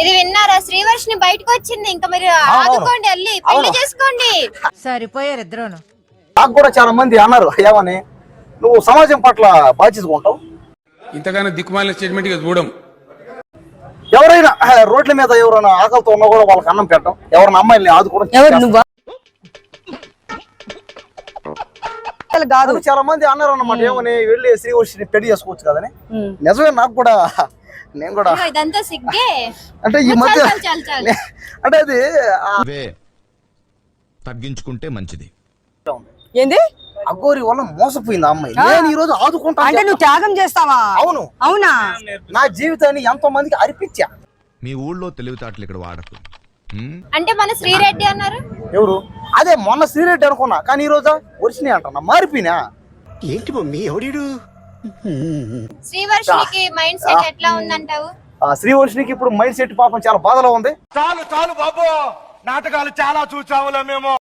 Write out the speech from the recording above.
ఇది విన్నారా? శ్రీవర్షిని బయటకు వచ్చింది. ఇంకా మీరు ఆదుకోండి, వెళ్ళి పెళ్లి చేసుకోండి. సరిపోయారు ఇద్దరును. నాకు కూడా చాలా మంది అన్నారు ఏమని, నువ్వు సమాజం పట్ల బాధ్యతగా ఉంటావు, ఇంతగానో దిక్కుమాలిన స్టేట్మెంట్ చూడం. ఎవరైనా రోడ్ల మీద ఎవరైనా ఆకలితో ఉన్నా కూడా వాళ్ళకి అన్నం పెట్టడం, ఎవరైనా అమ్మాయిల్ని ఆదుకోవడం. చాలా మంది అన్నారు అన్నమాట ఏమని, వెళ్ళి శ్రీవర్షిని పెళ్లి చేసుకోవచ్చు కదని. నిజమే, నాకు కూడా, నేను కూడా ఇదంతా సిగ్గే. అంటే ఈ మధ్య అంటే అది తగ్గించుకుంటే మంచిది. ఏంది అఘోరి వల్ల మోసపోయింది ఆ అమ్మాయి. నేను ఈ రోజు ఆదుకుంటా అంటే నువ్వు త్యాగం చేస్తావా? అవును. అవునా? నా జీవితాన్ని ఎంతో మందికి అర్పించా. మీ ఊళ్ళో తెలివితేటలు ఇక్కడ వాడకు. అంటే మన శ్రీరెడ్డి అన్నారు. ఎవరు? అదే మొన్న శ్రీరెడ్డి అనుకున్నా, కానీ ఈ రోజు వర్షిని అంటున్నా, మారిపోయినా. ఏంటి మమ్మీ ఎవడీడు? శ్రీవర్షినికి మైండ్ సెట్ ఎట్లా ఉందంటావు? శ్రీవర్షినికి ఇప్పుడు మైండ్ సెట్ పాపం చాలా బాధలో ఉంది. చాలు చాలు బాబు, నాటకాలు చాలా చూసాములే మేము.